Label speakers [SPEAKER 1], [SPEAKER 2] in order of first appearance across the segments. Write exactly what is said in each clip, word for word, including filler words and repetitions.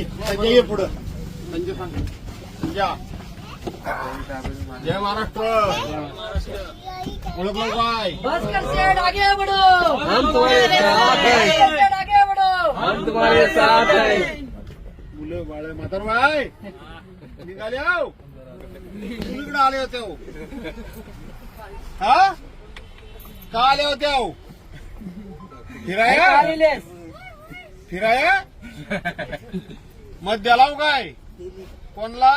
[SPEAKER 1] संजय संजय ये पुढं संजय सांग संजय जय महाराष्ट्र ओळखलं काय
[SPEAKER 2] भास्कर सेठ आगे बढ़ो,
[SPEAKER 3] हम तुम्हारे साथ हैं,
[SPEAKER 2] सेठ आगे बढ़ो,
[SPEAKER 3] हम तुम्हारे साथ हैं.
[SPEAKER 1] मुलं बाळ म्हातार बाय निघाले आहो मुलीकडे आले होते हो हा का आले होते हो फिराया
[SPEAKER 2] आलेलेस.
[SPEAKER 1] फिराया मत द्याला हो काय कोणला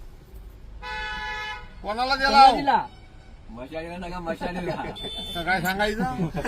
[SPEAKER 1] कोणाला द्याला हो?
[SPEAKER 2] दिला.
[SPEAKER 3] मशालीला नका मशालीला.
[SPEAKER 1] तर काय सांगायचं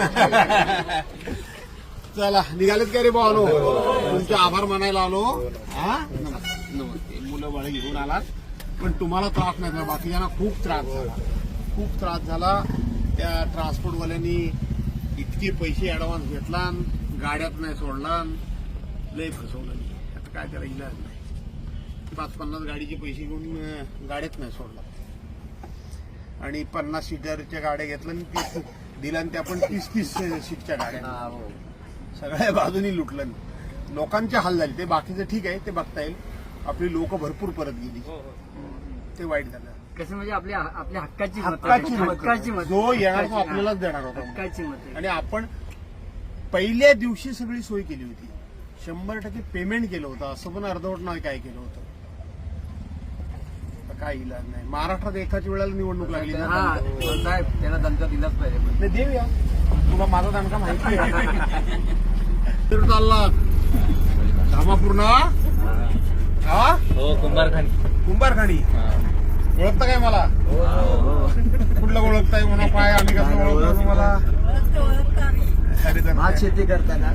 [SPEAKER 1] चला निघालेत का रे भावानो तुमचे आभार मानायला आलो हा नमस्ते नमस्ते मुलं बाळ घेऊन आलात पण तुम्हाला त्रास नाही झाला बाकीच्यांना खूप त्रास झाला खूप त्रास झाला त्या ट्रान्सपोर्टवाल्यांनी इतके पैसे ऍडव्हान्स घेतला गाड्यात नाही सोडला लय फसवलं आता काय त्याला इलाज नाही पाच पन्नास गाडीचे पैसे घेऊन अं, गाड्यात नाही सोडला आणि पन्नास सीटरच्या गाड्या घेतल्या आणि तीस दिल्या आणि त्या पण तीस तीस सीटच्या गाड्या सगळ्या बाजूनी लुटलं लोकांचे हाल झाले ते बाकीचं ठीक आहे ते बघता येईल आपली लोक भरपूर परत गेली ते वाईट झालं
[SPEAKER 2] कसं म्हणजे आपल्या आपल्या हक्काची मतं.
[SPEAKER 1] हक्काची मतं.
[SPEAKER 2] हक्काची मतं.
[SPEAKER 1] जो येणार तो आपल्यालाच देणार होता
[SPEAKER 2] हक्काची मतं.
[SPEAKER 1] आणि आपण पहिल्या दिवशी सगळी सोय केली होती शंभर टक्के पेमेंट केलं होतं असं पण अर्धवट नाही काय केलं होतं आता काय इलाज नाही महाराष्ट्रात एकाच वेळेला निवडणूक लागली ना
[SPEAKER 3] हा, पण साहेब त्याला दणका दिलाच पाहिजे.
[SPEAKER 1] नाही देऊया तुला माझा दणका माहिती आहे तर चालला धामापूर्ण हा
[SPEAKER 3] हो कुंभारखानी.
[SPEAKER 1] कुंभारखाणी ओळखता काय मला कुठलं ओळखताय म्हणा काय आम्ही कसं ओळखतो तुम्हाला अरे तर
[SPEAKER 3] भात शेती करताना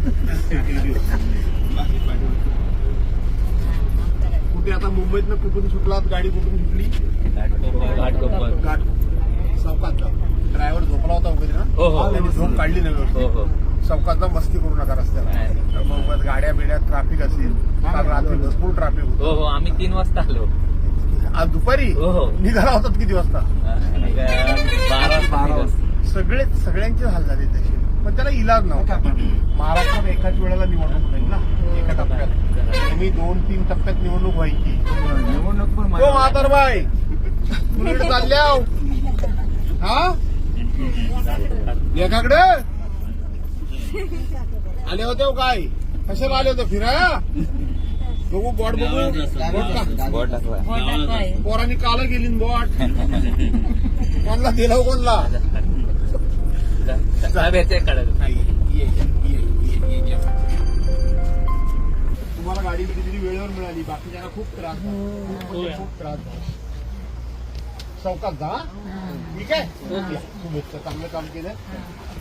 [SPEAKER 1] कुठे आता मुंबईतनं कुठून सुटलात गाडी कुठून सुटली घाट चौकात जा ड्रायव्हर झोपला होता वगैरे ना
[SPEAKER 3] हो, हो.
[SPEAKER 1] त्यांनी झोप काढली नाही
[SPEAKER 3] हो
[SPEAKER 1] व्यवस्थित.
[SPEAKER 3] हो
[SPEAKER 1] चौकात जा मस्ती करू नका रस्त्याला तर मग गाड्या बिड्या ट्रॅफिक असेल काल रात्री भरपूर ट्रॅफिक होतं
[SPEAKER 3] हो हो आम्ही तीन वाजता आलो.
[SPEAKER 1] आज दुपारी
[SPEAKER 3] हो हो
[SPEAKER 1] निघाला होतात किती वाजता
[SPEAKER 3] बारा बारा वाजता.
[SPEAKER 1] सगळे सगळ्यांचे हाल झाले तसे पण त्याला इलाज नव्हता महाराष्ट्रात एकाच वेळेला निवडणूक होईल ना एका टप्प्यात मी दोन तीन टप्प्यात निवडणूक व्हायची
[SPEAKER 3] निवडणूक पण
[SPEAKER 1] हो म्हातार बाय कुणीकडे चालल्या हो? हा एकाकडे आले होते हो काय कशाला आले होते फिराया बघू बॉट बघू बॉट का
[SPEAKER 3] बोट टाकला.
[SPEAKER 1] पोरांनी काल गेली न बॉट कोणला दिला हो कोणला
[SPEAKER 3] साहेब याचे काढायचं.
[SPEAKER 1] नाही, ये, ये, ये, ये, ये, ये. तुम्हाला गाडी कितीतरी वेळेवर मिळाली बाकीच्यांना खूप त्रास झाला. खूप म्हणजे खूप त्रास झाला चौकात जा ठीक आहे या, शुभेच्छा चांगलं काम केलं